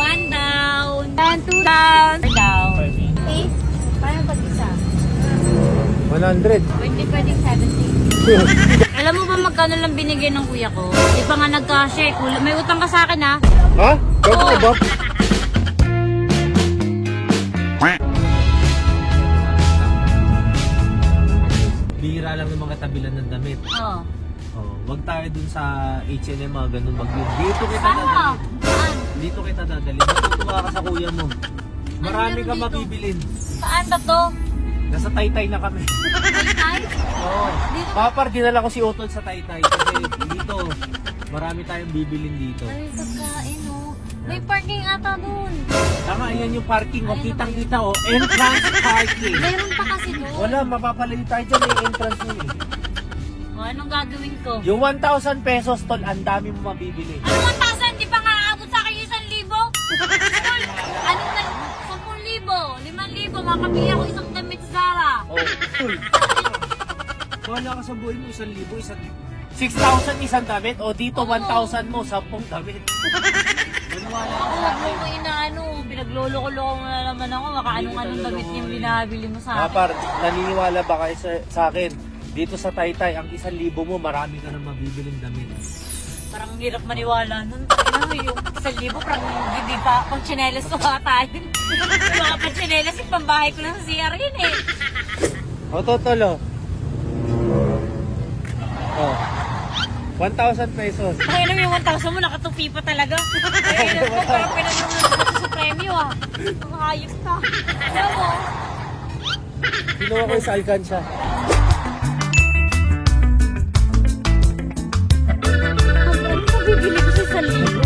One down. And two down. Four down. Okay? Paano pag isa? 100. Pwedeng 70. Alam mo ba magkano lang binigay ng kuya ko? Di pa nga nagka-share. May utang ka sa akin ha? Ha? Gago Oo. ka ba? Bihira lang ng mga tabilan ng damit. Oo. Oh, wag tayo dun sa H&M mga ganun bag yun. Dito kita Saan ka? dadalhin. Saan? Dito kita dadalhin. Matutuwa ka sa kuya mo. Marami meron ka dito? mabibilin. Saan ba to? Nasa Taytay na kami. Taytay? Oo. Dito? Papar, dinala ko si Otol sa Taytay. Kasi dito, marami tayong bibilin dito. Ay, pagkain oh. May parking ata dun. Tama, ayan yung parking. O, Ayan kitang-kita o. Entrance parking. Meron pa kasi doon. Wala, mapapalayo tayo dyan. May entrance yun eh. O, anong gagawin ko? Yung 1,000 pesos, Tol, ang dami mo mabibili. Ano 1,000? Di pa nga aabot sa akin yung 1,000? Anong na? 10,000? 5,000? Makapili ako isang damit sa Zara. Oh, Tol. Wala ka sa buhay mo, 1,000, 6,000 isang damit. O, dito Oo. 1,000 mo, 10 damit. Wala Ako, huwag mo ko inaano. Pinaglolo-lolo mo na naman ako. Baka anong-anong damit yung binabili mo sa akin. Papar, naniniwala ba kayo sa akin? Dito sa Taytay, ang 1,000 mo, marami ka na mabibiling damit. Parang ang hirap maniwala nun. Ano yung 1,000? Parang hindi pa pang tsinelas ko tayo. Yung mga pang tsinelas, yung pambahay ko lang sa CR yun eh. O, Totol, o. Oh. 1,000 pesos. Kaya naman yung 1,000 mo, nakatupi pa talaga. Kaya naman, parang pinanunod ko sa premyo ah. Ang hayop ka. Alam mo, Kinuha ko yung sa Alcanza. ano pa bibili ko sa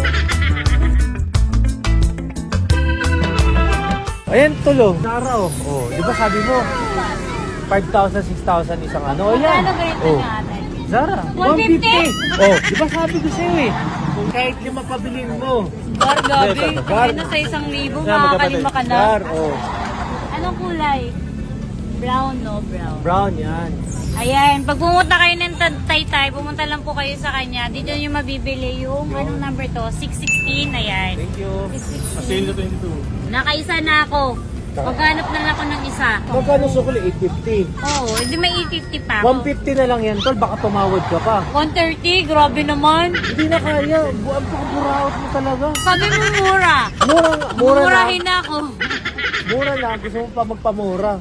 1,000? Ayan, Tol, o. Zara, o. Oh, di ba sabi mo? 5,000, 6,000 isang ano. O, yan. Ano ganito Oh. natin? Zara, 150. 150. Oh, di ba sabi ko sa'yo eh. Kung kahit lima pabilin mo. Bar, gabi. Bar. Kaya na sa 1,000, Yan, makakalima ka na. Zara, oh. Anong kulay? Brown, no? Brown. Brown yan. Ayan, pag pumunta kayo ng Taytay, pumunta lang po kayo sa kanya. Dito nyo mabibili yung, anong number to? 616, ayan. Thank you. 616. na 22. Nakaisa na ako. Maghanap na lang ako ng isa. Magkano sukli? 850. Oo, hindi may 850 pa ako. 150 na lang yan, Tol. Baka tumawad ka pa. 130, grabe naman. Hindi na kaya. Buwan pa buraot mo talaga. Sabi mo mura. Mura lang. Murahin na ako. Mura lang. Gusto mo pa magpamura.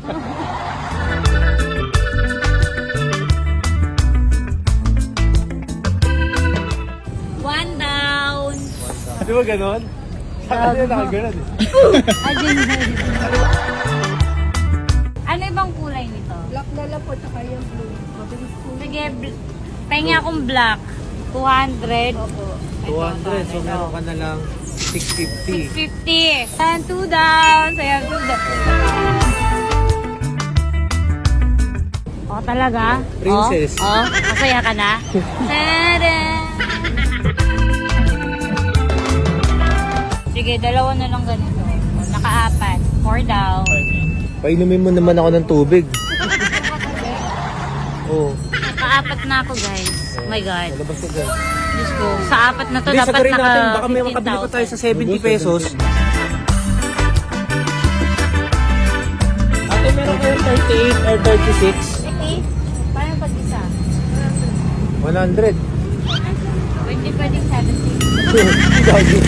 One down. Di ba ganon? Saka na nakaganon eh. Ayun. Ano ibang kulay nito? Black na lang po, tsaka yung blue. Mabilis po. Sige, pahingi akong black. 200. Opo. 200. So meron ka na lang 650. 650. And two down. Saya two down. Oh, talaga? Princess. Oh, masaya ka na? Tada! Sige, dalawa na lang ganito. Oh, naka-apat. 4 down. Painumin mo naman ako ng tubig. Oo. Naka-apat na ako, guys. Oh my God. Malabas ka dyan. Diyos ko. Sa apat na to, Hindi, dapat sagurin naka natin. Baka may makabili pa tayo sa 70 pesos. Ate, meron kayong 38 or 36? Okay. Paano pag isa? 100. Pwedeng 70. Gagi.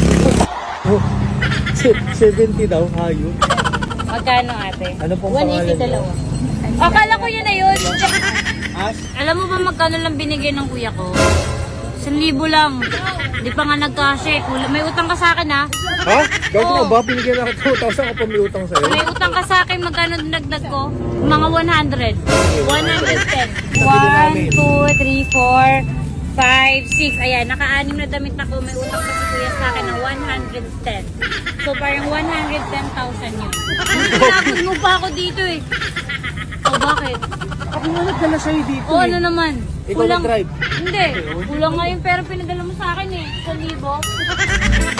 70 daw, hayo. Magkano ate? Ano pong pangalan 180 dalawa. mo? Akala ko yun na yun. As? Alam mo ba magkano lang binigay ng kuya ko? 1,000 lang. Di pa nga nagka-share. May utang ka sa akin ha? Ha? Gago Oo. na ba? Binigyan na kita 2,000 ako pa may utang sa'yo? May utang ka sa akin. Magkano dinagdag ko? Mga 100. 110. 1, 2, 3, 4, 5, 6. Ayan, naka-anim na damit ako. May utang pa si kuya sa akin ng 110. So parang 110,000 yun. Pinapod mo pa ako dito eh. O bakit? Ako nga nagdala sa'yo dito O ano naman? Ikaw nag-drive? Hindi. Kulang nga yung pera pinadala mo sa akin eh. 1,000.